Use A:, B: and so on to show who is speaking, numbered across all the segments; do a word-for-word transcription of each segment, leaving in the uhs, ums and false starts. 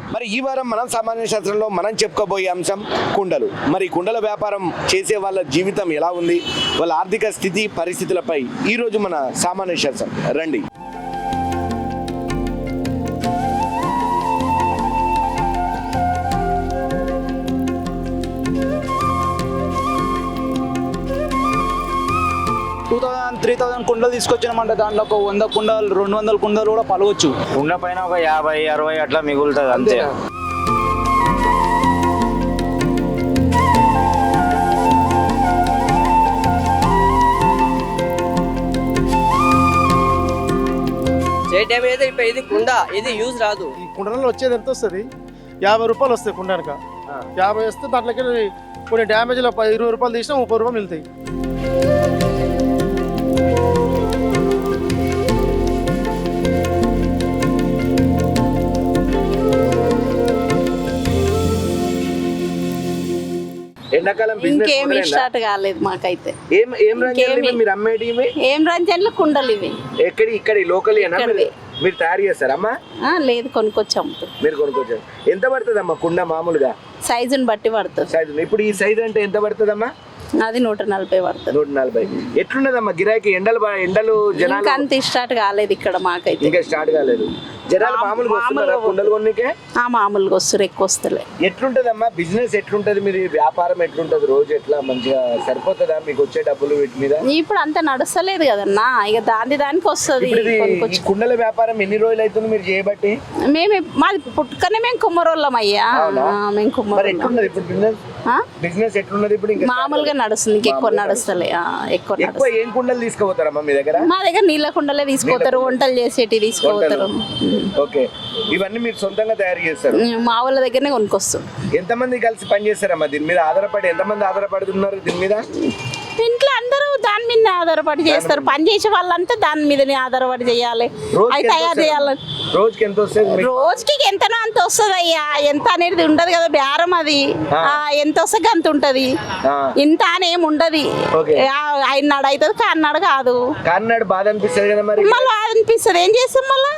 A: మరి ఈ వారం మనం సామాన్య శాస్త్రంలో మనం చెప్పుకోబోయే అంశం కుండలు. మరి కుండల వ్యాపారం చేసే వాళ్ళ జీవితం ఎలా ఉంది, వాళ్ళ ఆర్థిక స్థితి పరిస్థితులపై ఈరోజు మన సామాన్య శాస్త్రం రండి.
B: టూ థౌసండ్ త్రీ థౌసండ్ కుండలు తీసుకొచ్చినామంటే దాంట్లో ఒక వంద కుండలు రెండు వందల కుండలు కూడా పలవచ్చు.
C: కుండ పైన ఒక యాభై అరవై అట్లా మిగులుతుంది అంతే.
D: ఇది కుండ ఇది యూజ్ రాదు.
E: ఈ కుండలలో వచ్చేది ఎంత వస్తుంది? యాభై రూపాయలు వస్తాయి కుండనక. యాభై వస్తే దాంట్లోకి కొన్ని డ్యామేజ్లో ఇరవై రూపాయలు తీసినా ముప్పై రూపాయలు మిగులుతాయి.
A: ఎండాకాలం
F: ఇంకేమి స్టార్ట్ కాలేదు మాకైతే.
A: ఏం ఏం రంజన్లు మీరు అమ్మేటి?
F: ఏం రంజన్లు కుండలు ఇవి
A: ఎక్కడి ఇక్కడ లోకల్ మీరు తయారు చేస్తారమ్మా?
F: లేదు, కొనుక్కొచ్చాము.
A: మీరు కొనుక్కొచ్చారు. ఎంత పడుతుంది అమ్మా కుండ మామూలుగా?
F: సైజుని బట్టి పడుతుంది.
A: సైజు ఇప్పుడు ఈ సైజ్ అంటే ఎంత పడుతుందమ్మా?
F: అది నూట నలభై పడుతుంది.
A: నూట నలభై ఎట్లున్నదమ్మా గిరాకీ? ఎండలు ఎండలు జనాలు
F: అంత స్టార్ట్ కాలేదు ఇక్కడ మాకైతే.
A: ఇంకా స్టార్ట్ కాలేదు. జనాలు మామూలుగా వస్తున్నారా కుండలు కొన్నికే?
F: ఆ మామూలుగా వస్తారు, ఎక్కువ వస్తలే.
A: ఎట్లుంటదమ్మా బిజినెస్? ఎట్లుంటది మీరు వ్యాపారం? ఎట్లుంటది రోజు? ఎట్లా మంచిగా సరిపోతుందా మీకు వచ్చే డబ్బులు వీటి మీద?
F: ఇప్పుడు అంత నడుస్తలేదు కదన్నా, ఇక దాని దానికి వస్తుంది.
A: కుండల వ్యాపారం ఎన్ని రోజులు అవుతుంది మీరు చేయబట్టి?
F: మేము మాది పుట్టుకనే మేము కుమ్మరోళ్ళం అయ్యా. మేము కుమ్మరోళ్ళం.
A: ఎట్లున్నది ఇప్పుడు బిజినెస్? బిజినెస్ ఎట్లున్నది ఇప్పుడు? ఇంకా
F: మామూలుగా నడుస్తుంది, ఇంకెక్కువ నడుస్తలే. ఎక్కువ
A: ఎక్కువ ఏం కుండలు తీసుకుపోతారమ్మా మీ దగ్గర?
F: మా దగ్గర నీళ్ళ కుండలే తీసుకుపోతారు, వంటలు చేసేటి తీసుకుపోతారు.
A: ఓకే, ఇవన్నీ మీరు సొంతంగా తయారు చేస్తారు?
F: మా వాళ్ళ దగ్గరనే కొనుక్కొస్తాం.
A: ఎంతమంది కలిసి పని చేస్తారమ్మా దీని మీద? ఆధారపడి ఎంతమంది ఆధారపడుతున్నారు దీని మీద?
F: ఇంట్లో అందరూ దాని మీద ఆధారపడి చేస్తారు. పని చేసే వాళ్ళంతా దాని మీదనే ఆధారపడి చేయాలి, అవి తయారు చేయాలి.
A: రోజుకి ఎంత వస్తుంది?
F: రోజుకి ఎంతనో అంత వస్తుంది అయ్యా. ఎంత అనేది ఉండదు కదా బేరం, అది ఎంత వస్తే అంత ఉంటది. ఇంత అని ఏమి ఉండదు. ఆయన్నాడు అవుతుంది, కాన్నాడు కాదు.
A: కాన్నాడు బాధ అనిపిస్తుంది కదా మరి?
F: మళ్ళీ బాధ అనిపిస్తుంది, ఏం చేస్తాం మళ్ళా.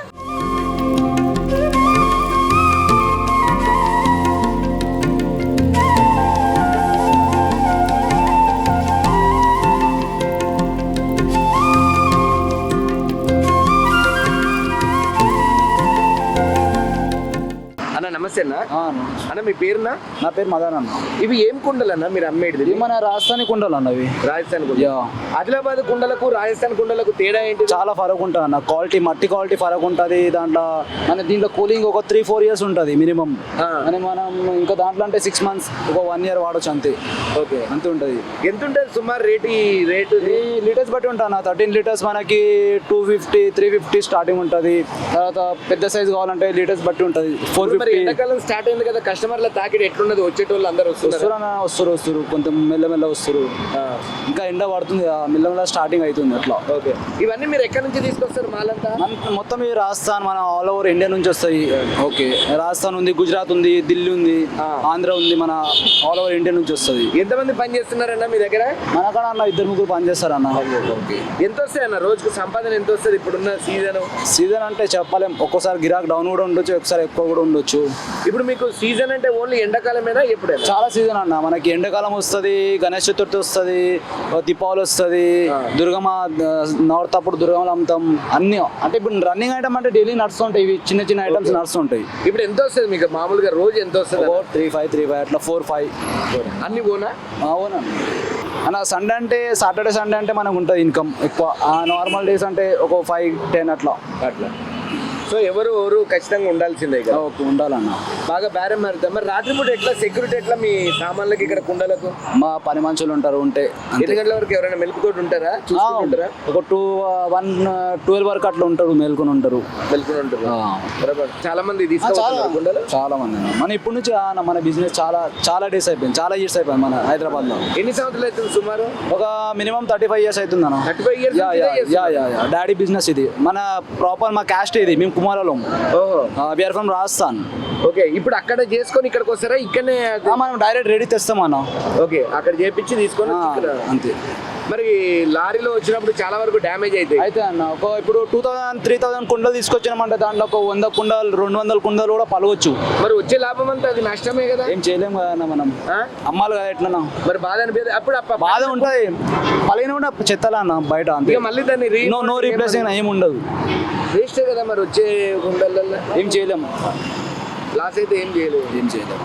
A: నమస్తే అన్న. అన్న మీ పేరునా?
B: నా పేరు మదన్ అన్న.
A: ఇవి ఏం కుండలు అన్న మీరు అమ్మేది?
B: ఇవి మన రాజస్థానీ కుండలు అన్న. ఇవి
A: రాజస్థాన్ కుండలు. ఆదిలాబాద్ కుండలకు రాజస్థాన్ కుండలకు తేడా ఏంటి?
B: చాలా ఫరక్ ఉంటుంది అన్న. క్వాలిటీ, మట్టి క్వాలిటీ ఫరక్ ఉంటుంది. దాంట్లో మన దీంట్లో కూలింగ్ ఒక త్రీ ఫోర్ ఇయర్స్ ఉంటుంది మినిమం. అని మనం ఇంకా దాంట్లో అంటే సిక్స్ మంత్స్ ఒక వన్ ఇయర్ వాడచ్చు అంతే. ఓకే, అంతే ఉంటుంది.
A: ఎంత ఉంటుంది సుమారు రేటు? ఈ రేటు
B: లీటర్స్ బట్టి ఉంటుంది అన్న. థర్టీన్ లీటర్స్ మనకి two fifty three fifty starting ఉంటుంది. తర్వాత పెద్ద సైజ్ కావాలంటే లీటర్స్ బట్టి ఉంటుంది. Four fifty.
A: ఎండాకాలం స్టార్ట్ అయింది కదా, కస్టమర్ల తాకిడి ఎట్లున్నది? వచ్చేటోళ్ళు అందరూ వస్తున్నారు
B: వస్తారు వస్తారు కొంచెం మెల్లమెల్ల వస్తారు. ఇంకా ఎండ పడుతుంది, మెల్లమెల్ల స్టార్టింగ్ అవుతుంది అట్లా.
A: ఓకే, ఇవన్నీ మీరు ఎక్కడి నుంచి తీసుకొస్తారు మాలంతా?
B: మొత్తం ఈ రాజస్థాన్, మన ఆల్ ఓవర్ ఇండియా నుంచి వస్తాయి. ఓకే, రాజస్థాన్ ఉంది, గుజరాత్ ఉంది, ఢిల్లీ ఉంది, ఆంధ్ర ఉంది, మన ఆల్ ఓవర్ ఇండియా నుంచి వస్తుంది.
A: ఎంతమంది పని చేస్తున్నారన్న మీ దగ్గర?
B: మనకాడ అన్న ఇద్దరు ముగ్గురు పని చేస్తారు అన్న.
A: ఎంత వస్తాయి అన్న రోజుకు సంపాదన? ఎంత వస్తుంది ఇప్పుడున్న సీజన్?
B: సీజన్ అంటే చెప్పలేం, ఒక్కోసారి గిరాక్ డౌన్ కూడా ఉండొచ్చు, ఒకసారి ఎక్కువ కూడా ఉండొచ్చు.
A: ఇప్పుడు మీకు సీజన్ అంటే ఓన్లీ ఎండాకాలమేనా? ఎప్పుడే
B: చాలా సీజన్ అన్న. మనకి ఎండాకాలం వస్తుంది, గణేష్ చతుర్థి వస్తుంది, దీపావళి వస్తుంది, దుర్గమ్మ నవరాత్రి అప్పుడు దుర్గమ్మలు అమ్ముతాం అన్ని. అంటే ఇప్పుడు రన్నింగ్ ఐటమ్ అంటే డైలీ నడుస్తుంటాయి, ఇవి చిన్న చిన్న ఐటమ్స్ నడుస్తుంటాయి.
A: ఇప్పుడు ఎంత వస్తుంది మీకు మామూలుగా రోజు? ఎంత వస్తుంది?
B: త్రీ ఫైవ్ త్రీ ఫైవ్ అట్లా ఫోర్ ఫైవ్
A: అన్ని పోనా?
B: అవునా అన్న. సండే అంటే సాటర్డే సండే అంటే మనకు ఉంటుంది ఇన్కమ్ ఎక్కువ. నార్మల్ డేస్ అంటే ఒక ఫైవ్ టెన్ అట్లా అట్లా.
A: సో ఎవరు ఎవరు ఖచ్చితంగా ఉండాల్సిందే కదా?
B: ఓకే, ఉండాలన్న.
A: బాగా బేరం మారుతాం. మరి రాత్రి పూట ఎట్లా సెక్యూరిటీ? ఎట్లా మీ సామాన్లకి ఇక్కడ కుండలకు?
B: మా పని మనుషులు ఉంటారు, ఉంటే.
A: ఎన్ని గంటల వరకు ఎవరైనా మెలుకుతోటి ఉంటారా? చూసుకుంటారా?
B: ఒక టూ వన్ ట్వెల్వ్ వరకు అట్లా ఉంటారు, మేల్కొని ఉంటారు.
A: మెలుకుని ఉంటారు. చాలా మంది తీసుకుంటారు కుండలు.
B: చాలా మంది మన ఇప్పటి నుంచి మన బిజినెస్ చాలా చాలా డేస్ అయిపోయింది, చాలా ఇయర్స్ అయిపోయింది మన హైదరాబాద్ లో.
A: ఎన్ని సంవత్సరాలు అవుతుంది సుమారు?
B: ఒక మినిమం థర్టీ ఫైవ్ ఇయర్స్ అవుతుంది అన్న.
A: Thirty five years
B: daddy business ఇది. మన ప్రాపర్ మా క్యాస్ట్ ఇది, మేము కుమారలో.
A: ఓహో,
B: వీఆర్ ఫ్రమ్ రాజస్థాన్.
A: ఓకే, ఇప్పుడు అక్కడ చేసుకొని ఇక్కడికి వస్తారా? ఇక్కడనే
B: మనం డైరెక్ట్ రెడీ తెస్తాం అన్న.
A: ఓకే, అక్కడ చేపించి తీసుకొని
B: అంతే.
A: మరి లారీలో వచ్చినప్పుడు చాలా వరకు డ్యామేజ్ అవుతాయి.
B: అయితే అన్న ఒక ఇప్పుడు టూ థౌసండ్ త్రీ థౌసండ్ కుండలు తీసుకొచ్చినామంటే దాంట్లో ఒక వంద కుండలు రెండు వందల కుండలు కూడా పలవచ్చు.
A: మరి వచ్చే లాభం అంతా అది నష్టమే కదా.
B: ఏం చేయలేము కదా అన్న మనం,
A: ఆ?
B: అమ్మాలి కదా ఎట్లన్నా.
A: మరి బాధ అనిపించదు అప్పుడు అప్ప-
B: బాధ ఉంటుంది, పలిగిన కూడా చెత్తలా అన్న బయట అంతే.
A: ఇక మళ్ళీ దాన్ని రీ-
B: నో నో రీప్లేసింగ్ ఏమి ఉండదు,
A: వేస్టే కదా మరి వచ్చే గుండెలలో
B: ఏం చేయలేము,
A: లాస్ అయితే ఏం చేయలేదు.
B: ఏం చేయలేము.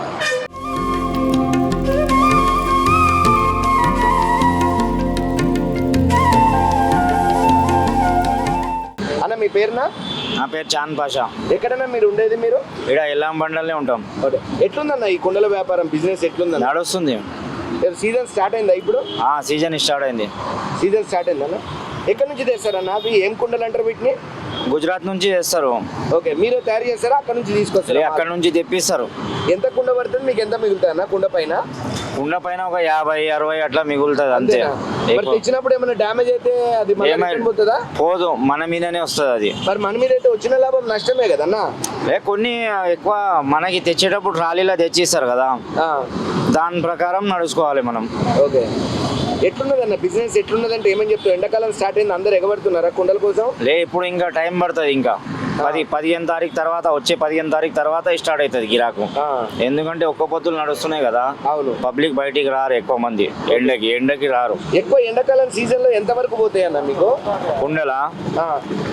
A: అన్న మీ పేరునా?
C: నా పేరు చాంద్ పాషా.
A: ఎక్కడన్నా మీరు ఉండేది మీరు?
C: ఇక్కడ ఎల్లాం బండలనే ఉంటాం.
A: ఓకే. ఎట్లుందన్న ఈ కుండల వ్యాపారం బిజినెస్ ఎట్లుందన్న?
C: నడుస్తుంది.
A: సీజన్ స్టార్ట్ అయిందా ఇప్పుడు?
C: ఆ సీజన్ స్టార్ట్ అయింది.
A: సీజన్ స్టార్ట్ అయిందన్న. ఎక్కడి నుంచి తెస్తారన్న అవి? ఏం కుండలు అంటారు వీటిని?
C: గుజరాత్ నుంచి చేస్తారు.
A: ఓకే, మీరు తయారు చేస్తారా అక్కడ నుంచి
C: లే,
A: తీసుకొస్తారా?
C: అక్కడ నుంచి తెప్పిస్తారు.
A: ఎంత కుండ పడుతుంది మీకు? ఎంత మిగులుతుంది అన్న కుండ పైన?
C: కుండ పైన ఒక యాభై అరవై అట్లా మిగులుతుంది అంతే.
A: అంతేనా? మరి
C: ఎక్కువ
A: తెచ్చినప్పుడు ఏమైనా డ్యామేజ్ అయితే అది మళ్ళీ
C: ఏమై-
A: return పోతుందా?
C: పోదు, మన మీదనే వస్తుంది అది.
A: మరి మన మీద అయితే వచ్చిన లాభం నష్టమే కదన్నా.
C: లే, కొన్ని ఎక్కువ మనకి తెచ్చేటప్పుడు ట్రాలీలో తెచ్చిస్తారు కదా,
A: ఆ,
C: దాని ప్రకారం నడుచుకోవాలి మనం.
A: ఓకే. ఎట్లున్నది అన్న బిజినెస్? ఎట్లున్నదంటే ఏమని చెప్తారు? ఎండాకాలం స్టార్ట్ అయింది, అందరు ఎగబడుతున్నారా కుండల కోసం?
C: లే, ఇప్పుడు ఇంకా టైం పడుతుంది. ఇంకా పది పదిహేను తారీఖు తర్వాత, వచ్చే పదిహేను తారీఖు తర్వాత స్టార్ట్ అవుతుంది గిరాకు.
A: ఆ,
C: ఎందుకంటే ఒక్క పొద్దులు నడుస్తున్నాయి కదా,
A: అవును.
C: పబ్లిక్ బయటికి రారు ఎక్కువ మంది, ఎండకి ఎండకి రారు.
A: ఎక్కువ ఎండాకాలం సీజన్ లో ఎంత వరకు పోతాయి అన్న మీకు?
C: కుండలా
A: ఆ,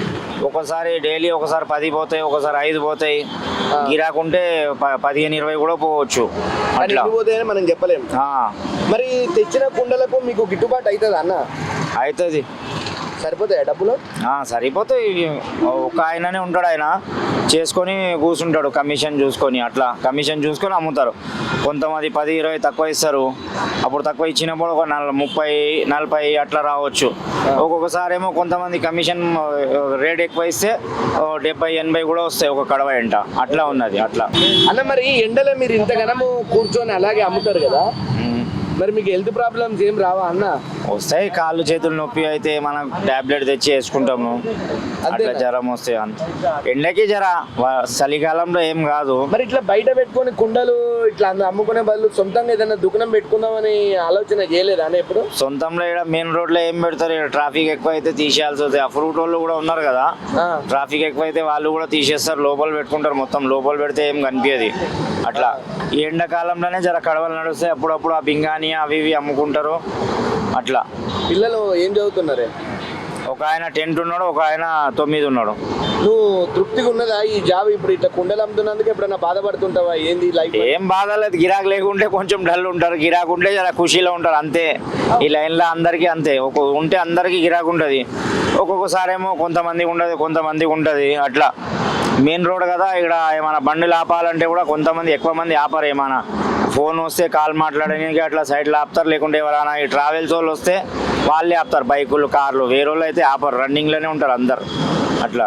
C: ఒకసారి డైలీ ఒకసారి పది పోతాయి, ఒకసారి ఐదు పోతాయి.
A: ఆ.
C: గిరాకుంటే ప- పదిహేను ఇరవై కూడా పోవచ్చు
A: కానీ
C: అట్లా.
A: ఎన్ని పోతాయని మనం చెప్పలేము.
C: ఆ,
A: మరి తెచ్చిన కుండలకు మీకు గిట్టుబాటు అవుతుంది అన్న?
C: అవుతుంది.
A: సరిపోతాయా డబ్బులు?
C: ఆ, సరిపోతాయి. ఒక ఆయననే ఉంటాడు, ఆయన చేసుకొని కూర్చుంటాడు, కమిషన్ చూసుకొని అట్లా కమిషన్ చూసుకొని అమ్ముతారు. కొంతమంది పది ఇరవై తక్కువ ఇస్తారు, అప్పుడు తక్కువ ఇచ్చినప్పుడు ఒక నల ముప్పై నలభై అట్లా రావచ్చు. ఒక్కొక్కసారి ఏమో కొంతమంది కమిషన్ రేట్ ఎక్కువ ఇస్తే ఓ డెబ్బై ఎనభై కూడా వస్తాయి ఒక కడవ ఎంట, అట్లా ఉన్నది అట్లా.
A: అన్న మరి ఎండలో మీరు ఇంతగానము కూర్చొని అలాగే అమ్ముతారు కదా,
C: ఉమ్.
A: మరి మీకు హెల్త్ ప్రాబ్లమ్స్ ఏం రావా అన్న?
C: వస్తాయి, కాళ్ళు చేతులు నొప్పి అయితే మనం టాబ్లెట్ తెచ్చి వేసుకుంటాము. అట్లా జ్వరం వస్తాయి అంత. ఎండకి జర వ- చలికాలంలో ఏం కాదు.
A: మరి ఇట్లా బయట పెట్టుకొని కుండలు ఇట్లా అంద- అమ్ముకునే బదులు సొంతంగా ఏదైనా దుకాణం పెట్టుకుందామని ఆలోచన చేయలేదా అన్న ఎప్పుడు?
C: సొంతంలో ఇక్కడ మెయిన్ రోడ్ లో ఏం పెడతారు, ఇక్కడ ట్రాఫిక్ ఎక్కువ అయితే తీసేయాల్సి వస్తుంది. ఆ ఫ్రూట్ వాళ్ళు కూడా ఉన్నారు కదా,
A: ఆ,
C: ట్రాఫిక్ ఎక్కువ అయితే వాళ్ళు కూడా తీసేస్తారు, లోపల పెట్టుకుంటారు. మొత్తం లోపల పెడితే ఏం కనిపించదు అట్లా. ఈ ఎండాకాలంలోనే జర కడవలు నడుస్తాయి, అప్పుడప్పుడు ఆ బింగాని అవి ఇవి అమ్ముకుంటారు అట్లా.
A: పిల్లలు ఏం చదువుతున్నారే?
C: ఒక ఆయన టెన్త్ ఉన్నాడు, ఒక ఆయన తొమ్మిది ఉన్నాడు.
A: నువ్వు తృప్తిగా ఉన్నదా ఈ జాబ్? ఇప్పుడు ఇట్లా కుండలు అమ్ముతున్నందుకు ఎప్పుడైనా బాధపడుతుంటావా? ఏంది లైఫ్?
C: ఏం బాధ లేదు, గిరాకు లేకుంటే కొంచెం డల్ ఉంటారు, గిరాకు ఉంటే జర ఖుషీలో ఉంటారు అంతే. ఈ లైన్లో అందరికీ అంతే, ఒక ఉంటే అందరికీ గిరాకు ఉంటుంది. ఒక్కొక్కసారి ఏమో కొంతమందికి ఉండదు, కొంతమందికి ఉంటుంది అట్లా. మెయిన్ రోడ్ కదా, ఇక్కడ ఏమైనా బండ్లు ఆపాలంటే కూడా కొంతమంది ఎక్కువ మంది ఆపరు. ఏమైనా ఫోన్ వస్తే కాల్ మాట్లాడడానికి అట్లా సైడ్లో ఆపుతారు, లేకుంటే ఎవరైనా ఈ ట్రావెల్స్ వాళ్ళు వస్తే వాళ్ళే ఆపుతారు, బైకులు కార్లు. వేరే వాళ్ళు అయితే ఆపరు, రన్నింగ్లోనే ఉంటారు అందరు అట్లా.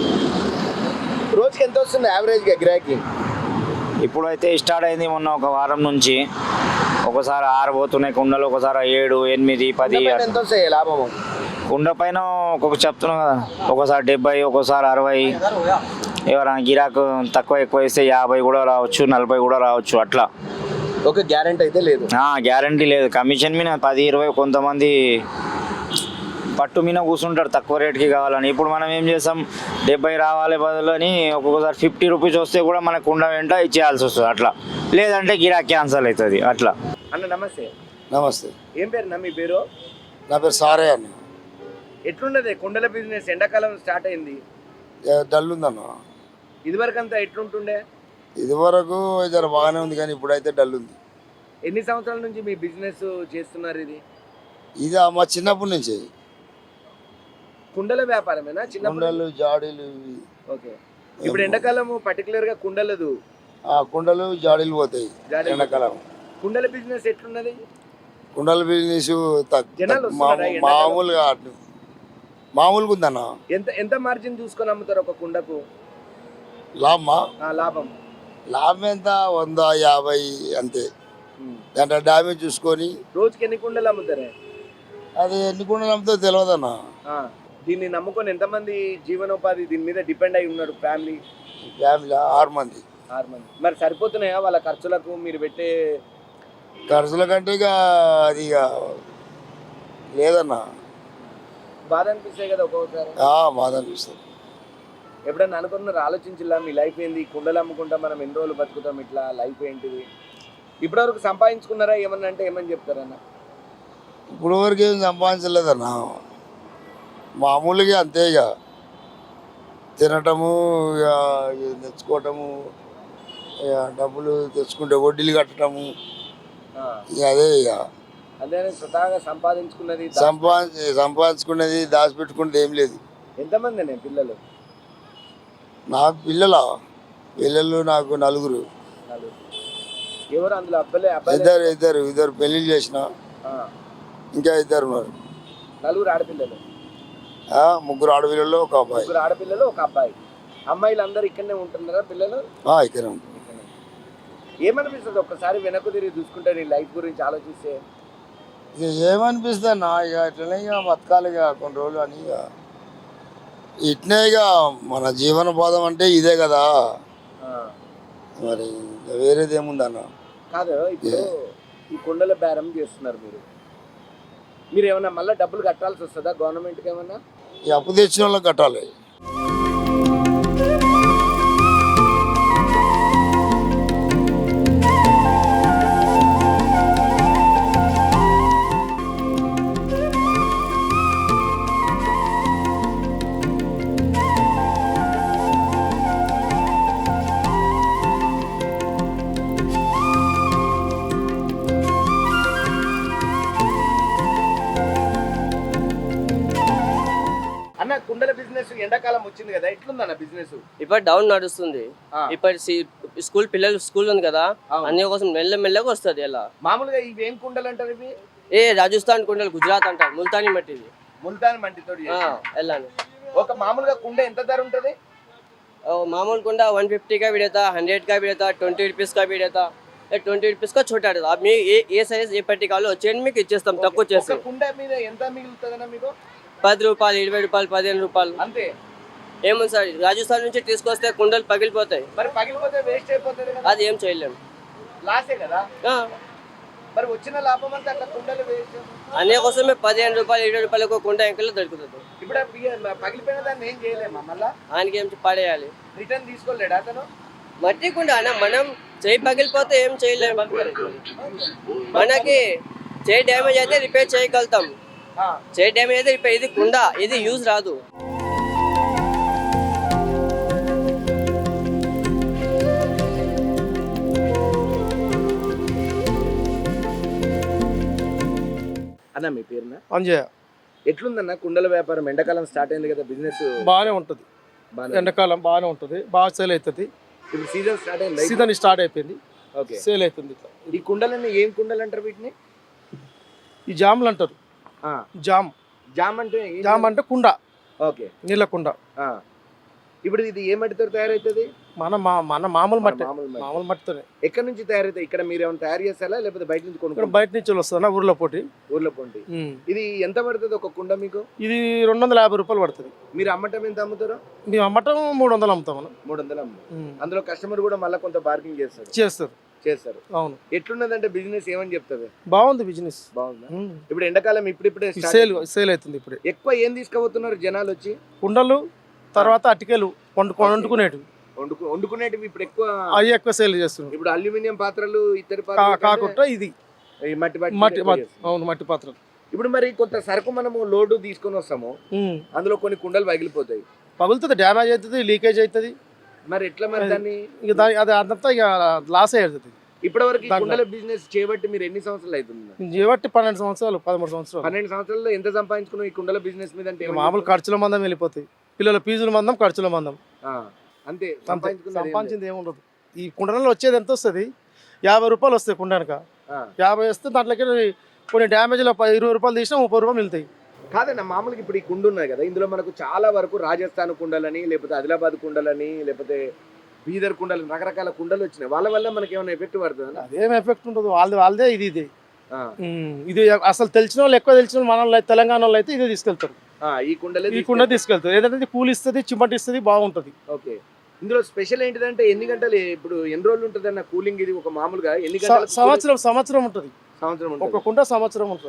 A: రోజుకి ఎంత వస్తుంది యావరేజ్గా గిరాకీ?
C: ఇప్పుడైతే స్టార్ట్ అయింది మొన్న ఒక వారం నుంచి. ఒకసారి ఆరు పోతున్నాయి కుండలు, ఒకసారి ఏడు ఎనిమిది పది.
A: కుండ ఎంత వస్తాయి లాభము?
C: కుండ పైన ఒక్కొక్క చెప్తున్నాం కదా, ఒకసారి డెబ్బై, ఒకసారి అరవై. ఎవరైనా గిరాకు తక్కువ ఎక్కువ ఇస్తే యాభై కూడా రావచ్చు, నలభై కూడా రావచ్చు అట్లా.
A: ఒక గ్యారెంటీ అయితే లేదు.
C: గ్యారంటీ లేదు. కమిషన్ మీద పది ఇరవై, కొంతమంది పట్టు మీద కూర్చుంటారు తక్కువ రేట్కి కావాలని. ఇప్పుడు మనం ఏం చేస్తాం, డెబ్బై రావాలి బదులు అని ఒక్కొక్కసారి ఫిఫ్టీ రూపీస్ వస్తే కూడా మనకు కుండ వెంట ఇచ్చేయాల్సి వస్తుంది అట్లా. లేదంటే గిరాక్ క్యాన్సల్ అవుతుంది అట్లా.
A: అన్న నమస్తే.
G: నమస్తే,
A: ఏం పేరు నా మీ పేరు?
G: నా పేరు సారే అన్న.
A: ఎట్లున్నది కుండల బిజినెస్? ఎండాకాలం స్టార్ట్ అయింది,
G: ఏ, డల్ ఉందన్న.
A: ఇదివరకు అంతా ఎట్లుంటుండే?
G: ఇదివరకు జర బాగానే ఉంది, కానీ ఇప్పుడైతే డల్ ఉంది.
A: ఎన్ని సంవత్సరాల నుంచి మీ బిజినెస్ చేస్తున్నారు ఇది?
G: ఇది మా చిన్నప్పటి నుంచి
A: కుండల వ్యాపారమేనా? చిన్న
G: కుండలు జాడీలు ఇవి.
A: ఓకే. ఇప్పుడు ఎండాకాలం పర్టికులర్ గా కుండలదు,
G: ఆ కుండలు జాడీలు పోతాయి
A: జాడీలు.
G: ఎండాకాలం.
A: కుండల బిజినెస్ ఎట్లున్నది?
G: కుండల బిజినెస్ తక్-
A: జనాలు
G: తక్- మామూ-
A: వస్తున్నారా ఎండాకాలం?
G: మామూలుగా అటు- మామూలుగా ఉందన్న.
A: ఎంత ఎంత మార్జిన్ చూసుకొని అమ్ముతారు ఒక కుండకు?
G: లాభమా?
A: ఆ, లాభం
G: లాభం ఎంత? వంద యాభై అంతే. దాంట్లో డ్యామేజ్ చూసుకొని
A: రోజుకి ఎన్ని కుండలు అమ్ముతారే?
G: అది ఎన్ని కుండలు అమ్ముతో తెలియదన్న.
A: ఆ, దీన్ని నమ్ముకొని ఎంతమంది జీవనోపాధి దీని మీద డిపెండ్ అయి ఉన్నారు ఫ్యామిలీ?
G: ఫ్యామిలీ ఆరు మంది.
A: ఆరు మంది. మరి సరిపోతున్నాయా వాళ్ళ ఖర్చులకు? మీరు పెట్టే
G: ఖర్చుల కంటే ఇక అది ఇక లేదన్నా.
A: బాధ అనిపిస్తాయి కదా ఒక్కొక్కసారి.
G: ఆ, బాధ అనిపిస్తుంది.
A: ఎప్పుడన్నా అనుకున్నారు, ఆలోచించిలా మీ లైఫ్ ఏంది, కుండలు అమ్ముకుంటా మనం ఎన్ని రోజులు బతుకుతాం, ఇట్లా లైఫ్ ఏంటిది, ఇప్పటివరకు సంపాదించుకున్నారా ఏమన్నా అంటే ఏమని చెప్తారన్న?
G: ఇప్పుడు వరకు ఏం సంపాదించలేదన్నా, మామూలుగా అంతే. ఇక తినటము, ఇక తెచ్చుకోవటము, ఇక డబ్బులు తెచ్చుకుంటే వడ్డీలు కట్టడము, ఇక అదే. ఇక
A: అదే స్వతహాగా సంపాదించుకున్నది
G: సంపాదించి సంపాదించుకునేది దాచిపెట్టుకునేది ఏం లేదు.
A: ఎంతమంది నేను పిల్లలు?
G: నాకు పిల్లల పిల్లలు నాకు నలుగురు.
A: ఎవరు అందులో? అబ్బాయిలే? అబ్బాయి
G: ఇద్దరు ఇద్దరు ఇద్దరు పెళ్లిళ్ళు చేసిన, ఇంకా ఇద్దరు ఉన్నారు.
A: నలుగురు ఆడపిల్లలు?
G: ఆ, ముగ్గురు ఆడపిల్లలు ఒక అబ్బాయి.
A: ముగ్గురు ఆడపిల్లలు ఒక అబ్బాయి. అమ్మాయిలు అందరు ఇక్కడనే ఉంటున్నారా పిల్లలు?
G: ఇక్కడే ఉంటారు.
A: ఏమనిపిస్తుంది ఒక్కసారి వెనక్కు తిరిగి చూసుకుంటే నీ లైఫ్ గురించి ఆలోచిస్తే?
G: ఇక ఏమనిపిస్తుంది అన్న, ఇక ఇట్లనే ఇక బతకాలి ఇక కొన్ని రోజులు అని. ఇక ఇట్నే ఇక మన జీవనోపాధం అంటే ఇదే కదా, మరి వేరేది ఏముందన్న.
A: కాదు, ఇప్పుడు ఈ కుండల బేరం చేస్తున్నారు మీరు, మీరు ఏమన్నా మళ్ళీ డబ్బులు కట్టాల్సి వస్తుందా గవర్నమెంట్కి ఏమన్నా?
G: ఈ అప్పు తెచ్చిన వాళ్ళకి కట్టాలి.
A: అన్న, కుండల బిజినెస్ ఎండాకాలం వచ్చింది కదా, ఎట్లుందన్న బిజినెస్?
D: ఇప్పుడు డౌన్ నడుస్తుంది. ఇప్పుడు స్కూల్ పిల్లలు స్కూల్ ఉంది కదా, అన్ని కోసం మెల్ల మెల్లగా వస్తుంది. ఎలా
A: మామూలుగా ఇవి ఏం కుండలు అంటారు ఇవి?
D: ఏ రాజస్థాన్ కుండలు, గుజరాత్ అంటారు, ముల్తానీ మట్టిది.
A: ముల్తాన్ మట్టితో
D: వెళ్ళాను.
A: ఒక మామూలుగా కుండ ఎంత ధర ఉంటుంది?
D: मामूल कुंडा वन फिफ्टी का भी रहता, हंड्रेड का भी रहता, ट्वेंटी रुपीज़ का भी रहता. ట్వంటీ రూపీస్ కా చోటా रहता. आप ఏ ఏ సైజ్ ఏ పట్టి కావాలో వచ్చేయండి, మీకు ఇచ్చేస్తాం తక్కువ చేసి.
A: కుండ మీద ఎంత మిగులుతుందన్న మీకు?
D: పది రూపాయలు, ఇరవై రూపాయలు, పదిహేను రూపాయలు
A: అంతే.
D: ఏముంది సార్, రాజస్థాన్ నుంచి తీసుకొస్తే కుండలు పగిలిపోతాయి.
A: మరి పగిలిపోతే వేస్ట్ అయిపోతుంది కదా,
D: అది ఏం చేయలేము,
A: లాసే కదా. మరి వచ్చిన లాభం అంతా అట్లా కుండలు వేస్ట్.
D: అనే కోసమే పదిహేను రూపాయలు, ఇరవై రూపాయలకు కుండ ఎంకల్లో దొరుకుతుంది.
A: ఇప్పుడు పగిలిపోయిన దాన్ని ఏం చేయలేమా? మళ్ళా
D: ఆయనకి ఏం పడేయాలి,
A: రిటర్న్ తీసుకోలేడు అతను.
D: మట్టి కుండ అన్న, మనం చేయి పగిలిపోతే ఏం చేయలేము. మనకి చేయి డ్యామేజ్ అయితే రిపేర్ చేయగలుగుతాం, చేయి డ్యామేజ్ అయితే రిపేర్. ఇది కుండ, ఇది యూజ్ రాదు.
A: అన్న మీ పేరున?
E: అంజయ్య.
A: ఎట్లుందన్న కుండల వ్యాపారం? ఎండాకాలం స్టార్ట్ అయింది కదా, బిజినెస్
E: బాగానే ఉంటుంది. ఎండాకాలం బాగానే ఉంటుంది, బాగా సేల్ అవుతుంది.
A: ఇప్పుడు సీజన్ స్టార్ట్ అయింది,
E: సీజన్ స్టార్ట్ అయిపోయింది,
A: ఓకే,
E: సేల్ అవుతుంది.
A: ఈ కుండలన్నీ ఏం కుండలు అంటారు వీటిని?
E: ఈ జామ్లు అంటారు. జామ్
A: జామ్ అంటే
E: జామ్ అంటే కుండ,
A: ఓకే,
E: నీళ్ళ కుండ.
A: ఇప్పుడు ఇది ఏ మట్టితో తయారైతుంది?
E: మన మన మామూలు మట్టి,
A: మామూలు మట్టి.
E: మామూలు మట్టితోనే.
A: ఎక్కడి నుంచి తయారైతాయి? ఇక్కడ మీరు ఏమైనా తయారు చేస్తారా లేకపోతే బయట నుంచి
E: ఇక్కడ
A: కొనుక్కుంటారా?
E: బయట నుంచి వస్తుందా, ఊర్లో పోటీ.
A: ఊర్లో పొంటి. ఇది ఎంత పడుతుంది ఒక కుండ మీకు?
E: ఇది రెండు వందల యాభై రూపాయలు పడుతుంది.
A: మీరు అమ్మటం ఎంత అమ్ముతారు?
E: మేము అమ్మటం మూడు వందలు అమ్ముతాం. మనం
A: మూడు వందలు అమ్ముతాం. అందులో కస్టమర్ కూడా మళ్ళీ కొంత బార్గింగ్ చేస్తారు
E: చేస్తారు
A: చేస్తారు
E: అవును.
A: ఎట్లున్నదంటే బిజినెస్ ఏమని చెప్తారు?
E: బాగుంది బిజినెస్,
A: బాగుందా? ఇప్పుడు ఎండాకాలం ఇప్పుడిప్పుడే
E: సేల్ సేల్ అవుతుంది. ఇప్పుడు
A: ఎక్కువ ఏం తీసుకుపోతున్నారు జనాలు వచ్చి?
E: కుండలు, తర్వాత అటికెలు, వండుకు వండుకునేటివి,
A: వండుకు వండుకునేటివి ఇప్పుడు ఎక్కువ
E: అవి ఎక్కువ సేల్ చేస్తున్నారు.
A: ఇప్పుడు అల్యూమినియం పాత్రలు, ఇతర
E: కాకుండా ఇది
A: మట్టి
E: మట్టి అవును మట్టి పాత్రలు.
A: ఇప్పుడు మరి కొంత సరుకు మనము లోడు తీసుకొని వస్తాము, అందులో కొన్ని కుండలు పగిలిపోతాయి,
E: పగులుతుంది, డ్యామేజ్ అవుతుంది, లీకేజ్ అవుతుంది.
A: మరి ఎట్లా మరి దాన్ని?
E: ఇక దాని అది అదంతా ఇక లాస్ అవుతుంది.
A: ఇప్పటి వరకు కుండల బిజినెస్ చేయబట్టి మీరు ఎన్ని సంవత్సరాలు అవుతుంది?
E: చేయబట్టి పన్నెండు సంవత్సరాలు పదమూడు సంవత్సరాలు.
A: పన్నెండు సంవత్సరాల్లో ఎంత సంపాదించుకున్నాం ఈ కుండల బిజినెస్ మీద? అంటే
E: మామూలు ఖర్చుల మందం వెళ్ళిపోతాయి, పిల్లల ఫీజుల మందం, ఖర్చుల మందం,
A: అంతే.
E: సంపాదించింది ఏముండదు. ఈ కుండలలో వచ్చేది ఎంత వస్తుంది? యాభై రూపాయలు వస్తాయి కుండనక. యాభై వస్తే దాంట్లోకి కొన్ని డ్యామేజ్లో ఇరవై రూపాయలు తీసినా ముప్పై రూపాయలు మిగులుతాయి.
A: కాదన్న, మామూలుగా ఇప్పుడు ఈ కుండ ఉన్నాయి కదా, ఇందులో మనకు చాలా వరకు రాజస్థాన్ కుండలని, లేకపోతే ఆదిలాబాద్ కుండలని, లేకపోతే బీదర్ కుండలు, రకరకాల కుండలు వచ్చినాయి. వాళ్ళ వల్ల మనకి ఏమైనా ఎఫెక్ట్ పడుతుంది?
E: అదేం ఎఫెక్ట్ ఉండదు, వాళ్ళది వాళ్ళదే, ఇది ఇదే. ఇది అసలు తెలిసిన వాళ్ళు, ఎక్కువ తెలిసిన వాళ్ళు, మన వాళ్ళు తెలంగాణ వాళ్ళు అయితే ఇదే తీసుకెళ్తారు.
A: ఈ కుండలే
E: ఈ కుండ తీసుకెళ్తారు. ఏదంటే కూల్ ఇస్తుంది, చిమ్మటి ఇస్తుంది, బాగుంటుంది.
A: ఓకే. ఇందులో స్పెషల్ ఏంటిదంటే ఎన్ని గంటలు, ఇప్పుడు ఎన్ని రోజులు ఉంటుంది అన్న కూలింగ్? ఇది ఒక మామూలుగా ఎన్ని గంటలు?
E: సంవత్సరం సంవత్సరం ఉంటుంది.
A: సంవత్సరం
E: ఒక కుండ సంవత్సరం ఉంటుంది.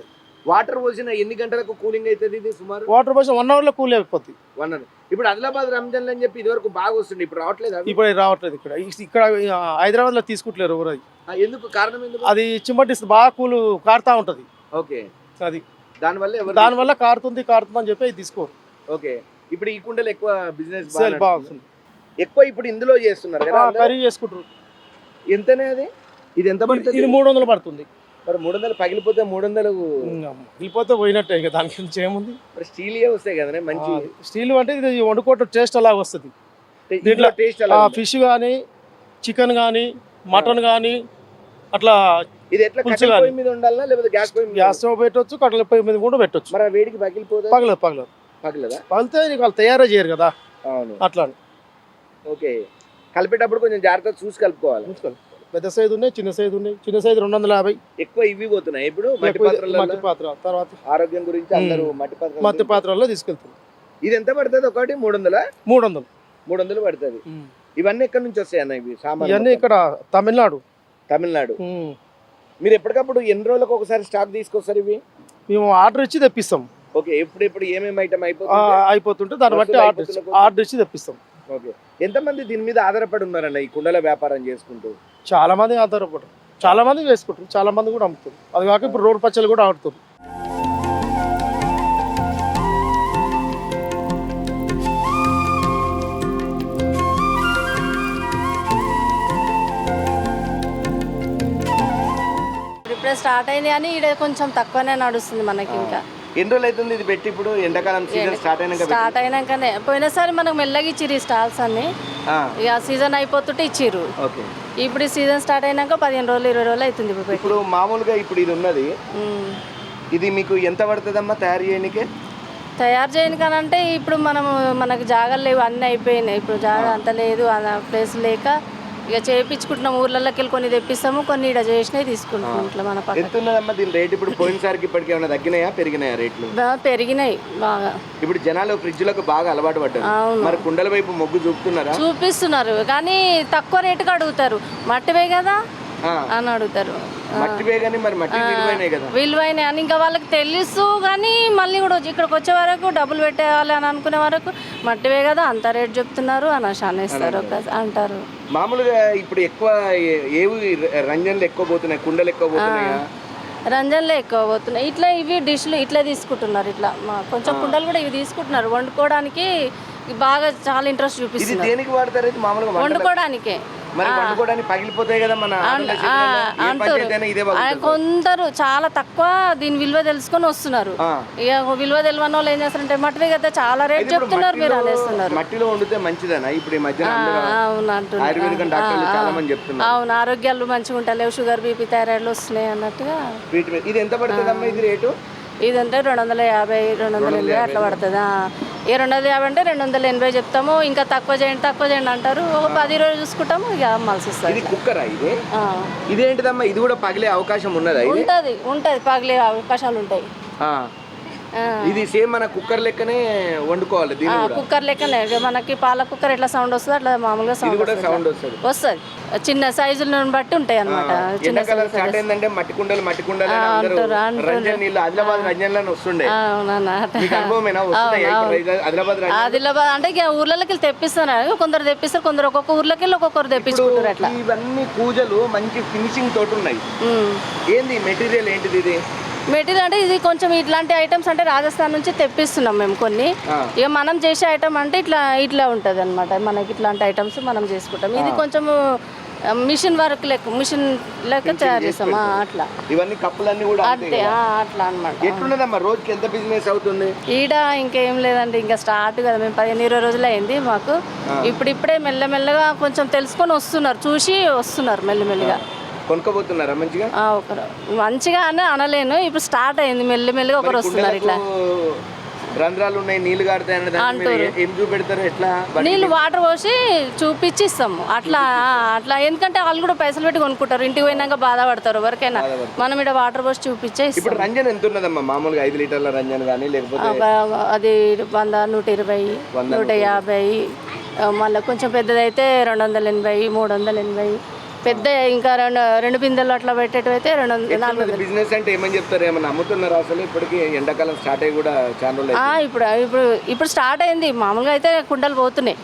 A: వాటర్ పోసిన ఎన్ని గంటలకు కూలింగ్ అవుతుంది ఇది సుమారు?
E: వాటర్ పోసిన వన్ అవర్లో కూల్ అయిపోద్ది.
A: One hour. ఇప్పుడు ఆదిలాబాద్ రంజాన్ అని చెప్పి ఇదివరకు బాగా వస్తుంది, ఇప్పుడు రావట్లేదు అవి?
E: ఇప్పుడు రావట్లేదు. ఇక్కడ ఇక్కడ హైదరాబాద్ లో తీసుకుంటలేరు ఎవరు. అది
A: ఆ, ఎందుకు కారణం ఎందుకు?
E: అది చిమ్మటి బాగా కూలు కారుతా ఉంటది.
A: ఓకే.
E: అది
A: దానివల్ల ఎవరు
E: దానివల్ల కారుతుంది కారుతుంది అని చెప్పి అది తీసుకోరు.
A: ఓకే. ఇప్పుడు ఈ కుండలు ఎక్కువ బిజినెస్
E: సేల్ బాగుంటుంది.
A: ఎక్కువ ఇప్పుడు ఇందులో చేస్తున్నారు కదా అందరూ?
E: కర్రీ చేసుకుంటారు.
A: ఎంతనే అది? ఇది ఎంత పడుతుంది?
E: ఇది మూడు వందలు పడుతుంది.
A: మరి మూడు వందలు పగిలిపోతే మూడు వందలు
E: వెళ్ళిపోతే పోయినట్టే. ఇక దానికి నుంచి ఏముంది.
A: మరి స్టీలియే వస్తాయి కదా మంచి.
E: స్టీల్ అంటే ఇది వండుకోవటం టేస్ట్ అలా వస్తుంది.
A: దీంట్లో టేస్ట్ అలా
E: ఫిష్ కానీ చికెన్ కానీ మటన్ కానీ అట్లా.
A: ఇది ఎట్లా
E: పులుసు
A: కట్టెల
E: కానీ.
A: పొయ్యి మీద ఉండాలా లేకపోతే గ్యాస్ పొయ్యి మీద?
E: గ్యాస్ స్టవ్ పెట్టవచ్చు, కట్టెల పొయ్యి మీద కూడా పెట్టవచ్చు.
A: మరి ఆ వేడికి పగిలిపోతే?
E: పగలదు పగలదు
A: పగలదా?
E: పగిలితే నీకు వాళ్ళు తయారే చేయరు కదా.
A: అవును.
E: అట్లా
A: ఓకే. కలిపేటప్పుడు కొంచెం జాగ్రత్తగా చూసి కలుపుకోవాలి.
E: చూసుకోవాలి. పెద్ద సైజు ఉన్నాయి, చిన్న సైజు ఉన్నాయి. చిన్న సైజు రెండు వందల యాభై.
A: ఎక్కువ ఇవి పోతున్నాయి ఇప్పుడు మట్టి
E: మట్టి
A: పాత్రలలో.
E: పాత్ర తర్వాత
A: ఆరోగ్యం గురించి అందరూ మట్టి పాత్ర
E: మట్టి పాత్రల్లో తీసుకెళ్తారు.
A: ఇది ఎంత పడుతుంది ఒకటి? మూడు వందల
E: మూడు వందలు
A: మూడు వందలు పడుతుంది. ఇవన్నీ ఎక్కడి నుంచి వస్తాయి అన్న ఇవి సామాన్లు?
E: ఇవన్నీ ఇక్కడ తమిళనాడు.
A: తమిళనాడు.
E: ఉమ్.
A: మీరు ఎప్పటికప్పుడు ఎన్ని రోజులకు ఒకసారి స్టాక్ తీసుకొస్తారు ఇవి?
E: మేము ఆర్డర్ ఇచ్చి తెప్పిస్తాం.
A: ఓకే. ఎప్పుడు ఎప్పుడు ఏమేమి ఐటమ్
E: ఆ,
A: అయిపోతుంది?
E: అయిపోతుంటే దాన్ని బట్టి
A: వస్తువులు
E: ఆర్డర్
A: అయిపోతున్న
E: ఆర్డర్ ఇచ్చి తెప్పిస్తాం.
A: ఓకే. ఎంతమంది దీని మీద ఆధారపడి ఉన్నారన్న ఈ కుండల వ్యాపారం చేసుకుంటూ?
E: చాలా మంది ఆధారపడరు. చాలా మంది వేసుకుంటారు, చాలా మంది కూడా అమ్ముతారు. అది కాక ఇప్పుడు రోడ్ పచ్చలు కూడా ఆడుతారు.
H: ఇప్పుడే స్టార్ట్ అయింది కానీ ఇక్కడ కొంచెం తక్కువనే నడుస్తుంది మనకి. ఇంకా
A: ఎన్ని రోజులు అవుతుంది ఇది పెట్టి? ఇప్పుడు ఎండాకాలం సీజన్ స్టార్ట్ అయినాక
H: స్టార్ట్ అయినాకనే పోయినసారి మనకు మెల్లగా ఇచ్చిర్రు ఈ స్టాల్స్ అన్ని.
A: ఆ,
H: ఇక సీజన్ అయిపోతుంటే ఇచ్చిర్రు.
A: ఓకే.
H: ఇప్పుడు ఈ సీజన్ స్టార్ట్ అయినాక పదిహేను రోజులు ఇరవై రోజులు అవుతుంది ఇప్పుడు పెట్టి.
A: ఇప్పుడు మామూలుగా ఇప్పుడు ఇది ఉన్నది,
H: ఉమ్.
A: ఇది మీకు ఎంత పడుతుందమ్మా తయారు చేయడానికి?
H: తయారు చేయను కానంటే ఇప్పుడు మనం మనకు జాగాలు లేవు, అన్నీ అయిపోయినాయి. ఇప్పుడు జాగా అంత లేదు, ప్లేస్ లేక ఇక చేయించుకుంటున్నాం. ఊర్లలోకి వెళ్ళి కొన్ని తెప్పిస్తాము, కొన్ని ఇక్కడ చేసినవి తీసుకుంటున్నాం ఇట్లా మన పక్కన.
A: ఎంత ఉన్నదమ్మా దీని రేట్ ఇప్పుడు? పోయినసారికి ఇప్పటికి ఏమైనా తగ్గినాయా పెరిగినాయా రేట్లు?
H: బాగా పెరిగినాయి బాగా.
A: ఇప్పుడు జనాలు ఫ్రిడ్జ్ లకు బాగా అలవాటు పడ్డారు.
H: అవును.
A: మరి కుండల వైపు మొగ్గు చూపుతున్నారా?
H: చూపిస్తున్నారు కానీ తక్కువ రేటుకి అడుగుతారు. మట్టివే కదా
A: ఆ,
H: అని అడుగుతారు.
A: మట్టివే కానీ మరి మట్టి విలువైనాయి కదా.
H: విలువైన అని ఇంకా వాళ్ళకి తెలుసు కానీ మళ్ళీ కూడా వచ్చి ఇక్కడికి వచ్చే వరకు డబ్బులు పెట్టేయాలి అని అనుకునే వరకు మట్టివే కదా అంత రేట్ చెప్తున్నారు అని అనేస్తారు అంటారు.
A: మామూలుగా ఇప్పుడు ఎక్కువ ఏ- ఏవి రంజన్లు ఎక్కువ పోతున్నాయి, కుండలు ఎక్కువ పోతున్నాయా?
H: రంజన్లో ఎక్కువ పోతున్నాయి. ఇట్లా ఇవి డిష్లు ఇట్లా తీసుకుంటున్నారు. ఇట్లా మా కొంచెం కుండలు కూడా ఇవి తీసుకుంటున్నారు. వండుకోవడానికి బాగా చాలా ఇంట్రెస్ట్
A: ఇది
H: చూపిస్తున్నారు.
A: దేనికి వాడతారు ఇది మామూలుగా? వంటలకు?
H: వండుకోవడానికే.
A: మరి వండుకోవడానికి పగిలిపోతాయి కదా మన ఆంధ్ర చేతులలో. ఏ పంచాయతీ అయినా ఇదే
H: ఆ,
A: పగులుతుంది.
H: కొందరు చాలా తక్కువ దీని విలువ తెలుసుకొని వస్తున్నారు.
A: ఆ.
H: ఇక విలువ తెలియని వాళ్ళు ఏం చేస్తారంటే మట్టివే కదా చాలా రేట్
A: ఇప్పుడు
H: చెప్తున్నారు మీరు
A: మట్టిలో-
H: అనేస్తున్నారు.
A: మట్టిలో వండితే మంచిదనా? ఇప్పుడు ఈ మధ్యన
H: ఆ,
A: అందరూ
H: అవును అంటున్నారు.
A: ఆయుర్వేదికం డాక్టర్లు
H: ఆ,
A: చాలా
H: ఆ.
A: మంది చెప్తున్నారు.
H: అవును ఆరోగ్యాలు మంచిగా ఉంటాయి, షుగర్ బీపీ థైరాయిడ్లు వస్తున్నాయి అన్నట్టుగా.
A: వీటి మీద ఇది ఎంత పడుతుందమ్మా ఇది రేటు?
H: ఇదంటే రెండు వందల యాభై రెండు వందల ఎనభై అట్లా పడుతుంది. ఏ రెండు వందల యాభై అంటే రెండు వందల ఎనభై చెప్తాము. ఇంకా తక్కువ చేయండి తక్కువ చేయండి అంటారు. ఒక పది రోజులు చూసుకుంటాము ఇక అమ్మాల్సి
A: ఇది
H: వస్తుంది.
A: కుక్కరా ఇది?
H: ఆ.
A: ఇదేంటిదమ్మా? ఇది కూడా పగిలే అవకాశం ఉన్నదా ఇది?
H: ఉంటది ఉంటది పగిలే అవకాశాలు ఉంటాయి.
A: ఆ.
H: ఆ.
A: ఇది సేమ్ మన కుక్కర్ లెక్కనే వండుకోవాలి దీన్ని కూడా?
H: కుక్కర్ లెక్కనే ఇక మనకి పాల కుక్కర్ ఎట్లా సౌండ్ వస్తుంది అట్లా మామూలుగా
A: ఇది
H: సౌండ్
A: కూడా సౌండ్
H: వస్తుంది
A: వస్తుంది.
H: వస్తుంది చిన్న సైజులను బట్టి ఉంటాయి అన్నమాట. చిన్న
A: ఎండాకాలం స్టార్ట్ అయిందంటే మట్టి కుండలు మట్టి కుండలు అని అందరూ
H: అంటారు, అంటారు.
A: రంజన్ నీళ్ళు ఆదిలాబాద్ రంజన్లను వస్తుండే.
H: అవునన్నా
A: మీకు అనుభవమేనా? వస్తున్నాయి ఆదిలాబాద్ రంజన్?
H: ఆదిలాబాద్ అంటే ఇక ఊర్లకి వెళ్ళి తెప్పిస్తున్నారు. కొందరు తెప్పిస్తారు, కొందరు ఒక్కొక్క ఊర్లోకి వెళ్ళి ఒక్కొక్కరు తెప్పించుకుంటారు అట్లా.
A: ఇవన్నీ పూజలు మంచి ఫినిషింగ్ తోటి ఉన్నాయి.
H: ఉమ్.
A: ఏంది మెటీరియల్ ఏంటిది ఇది?
H: మెటీరియల్ అంటే ఇది కొంచెం ఇట్లాంటి ఐటమ్స్ అంటే రాజస్థాన్ నుంచి తెప్పిస్తున్నాం మేము కొన్ని.
A: ఆ.
H: ఇక మనం చేసే ఐటమ్ అంటే ఇట్లా ఇట్లా ఉంటుంది అనమాట. మనకి ఇట్లాంటి ఐటమ్స్ మనం చేసుకుంటాం. ఇది కొంచెం మిషన్ వర్క్ లెక్క మిషన్ లెక్క తయారు చేస్తాం. ఆ, అట్లా
A: ఇవన్నీ కప్పులన్నీ కూడా అంతే
H: అంతే
A: కదా?
H: ఆ, అట్లా అనమాట.
A: ఎట్లున్నదమ్మా రోజుకి ఎంత బిజినెస్ అవుతుంది?
H: ఈడ ఇంకేం లేదండి, ఇంకా స్టార్ట్ కదా. మేము పదిహేను ఇరవై రోజులు అయింది మాకు. ఇప్పుడు ఇప్పుడే మెల్లమెల్లగా కొంచెం తెలుసుకొని వస్తున్నారు, చూసి వస్తున్నారు మెల్లమెల్లిగా.
A: కొనుక్కోబోతున్నారా మంచిగా?
H: ఆ, ఒకరు మంచిగా అని అనలేను, ఇప్పుడు స్టార్ట్ అయింది మెల్లమెల్లిగా ఒకరు వస్తున్నారు ఇట్లా.
A: కుండలకు రంధ్రాలు ఉన్నాయి, నీళ్లు కారుతాయి అనే దానికి మీరు
H: అంటారు.
A: ఏ- ఏం చూపెడతారు? ఎట్లా
H: నీళ్ళు వాటర్ పోసి చూపించి ఇస్తాము అట్లా. ఆ, అట్లా ఎందుకంటే వాళ్ళు కూడా పైసలు పెట్టి కొనుక్కుంటారు, ఇంటికి పోయినాక బాధపడతారు ఎవరికైనా. మనం ఇక్కడ వాటర్ పోసి చూపించే
A: ఇప్పుడు
H: ఇస్తాం.
A: రంజన్ ఎంత ఉన్నదమ్మా మామూలుగా? ఐదు లీటర్ల రంజన్ కానీ లేకపోతే
H: ఒక అది వంద నూట ఇరవై నూట యాభై మళ్ళీ కొంచెం పెద్దదైతే రెండు వందల ఎనభై మూడు వందల ఎనభై పెద్ద ఇంకా రెండు రెండు బిందెలు అట్లా పెట్టేటివి అయితే రెండు వందలు నాలుగు వందలు
A: బిజినెస్ అంటే ఏమని చెప్తారు, ఏమన్నా అమ్ముతున్నారా అసలు? ఇప్పటికి ఎండాకాలం స్టార్ట్ అయ్యి కూడా చాలా రోజులు
H: ఆ,
A: అయింది.
H: ఇప్పుడు ఇప్పుడు ఇప్పుడు స్టార్ట్ అయింది. మామూలుగా అయితే కుండలు పోతున్నాయి.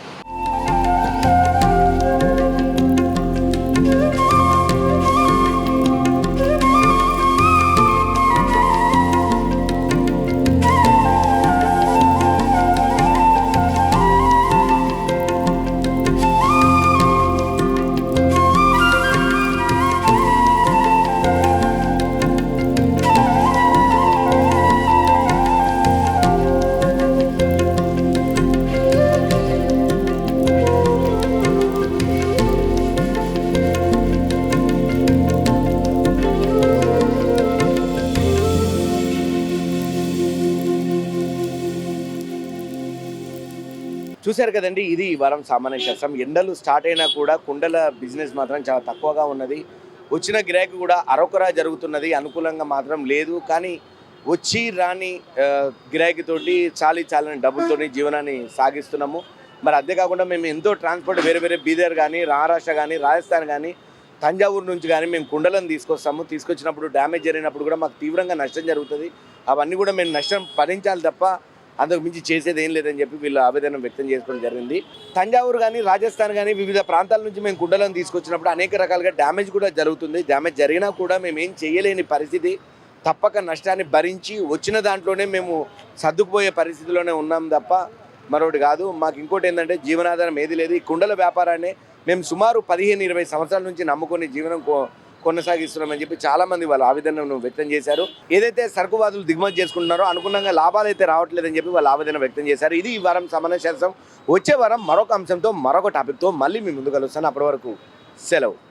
A: చూశారు కదండి, ఇది ఈ వారం సామాన్య శాస్త్రం. ఎండలు స్టార్ట్ అయినా కూడా కుండల బిజినెస్ మాత్రం చాలా తక్కువగా ఉన్నది. వచ్చిన గిరాకీ కూడా అరొకరా జరుగుతున్నది, అనుకూలంగా మాత్రం లేదు. కానీ వచ్చి రాని ఆ, గిరాకీతోటి చాలీ చాలని డబ్బులతోని జీవనాన్ని సాగిస్తున్నాము. మరి అదే కాకుండా మేము ఎంతో ట్రాన్స్పోర్ట్ వేరే వేరే బీదర్ కానీ, మహారాష్ట్ర కానీ, రాజస్థాన్ కానీ, తంజావూరు నుంచి కానీ మేము కుండలను తీసుకొస్తాము. తీసుకొచ్చినప్పుడు డ్యామేజ్ జరిగినప్పుడు కూడా మాకు తీవ్రంగా నష్టం జరుగుతుంది. అవన్నీ కూడా మేము నష్టం భరించాలి తప్ప అంతకు మించి చేసేది ఏం లేదని చెప్పి వీళ్ళు ఆవేదన వ్యక్తం చేసుకోవడం జరిగింది. తంజావూరు కానీ, రాజస్థాన్ కానీ వివిధ ప్రాంతాల నుంచి మేము కుండలను తీసుకొచ్చినప్పుడు అనేక రకాలుగా డ్యామేజ్ కూడా జరుగుతుంది. డ్యామేజ్ జరిగినా కూడా మేము ఏం చేయలేని పరిస్థితి. తప్పక నష్టాన్ని భరించి వచ్చిన దాంట్లోనే మేము సర్దుకుపోయే పరిస్థితిలోనే ఉన్నాం తప్ప మరొకటి కాదు. మాకు ఇంకోటి ఏంటంటే జీవనాధారం ఏది లేదు. ఈ కుండల వ్యాపారాన్ని మేము సుమారు పదిహేను ఇరవై సంవత్సరాల నుంచి నమ్ముకొని జీవనం కొనసాగిస్తున్నామని చెప్పి చాలామంది వాళ్ళ ఆవేదనను వ్యక్తం చేశారు. ఏదైతే సరుకువాదులు దిగుమతి చేసుకుంటున్నారో అనుకున్నాగా లాభాలు అయితే రావట్లేదని చెప్పి వాళ్ళ ఆవేదన వ్యక్తం చేశారు. ఇది ఈ వారం సామాన్య శాస్త్రం. వచ్చే వారం మరొక అంశంతో మరొక టాపిక్తో మళ్ళీ మీ ముందు కలుస్తాను. అప్పటి వరకు సెలవు.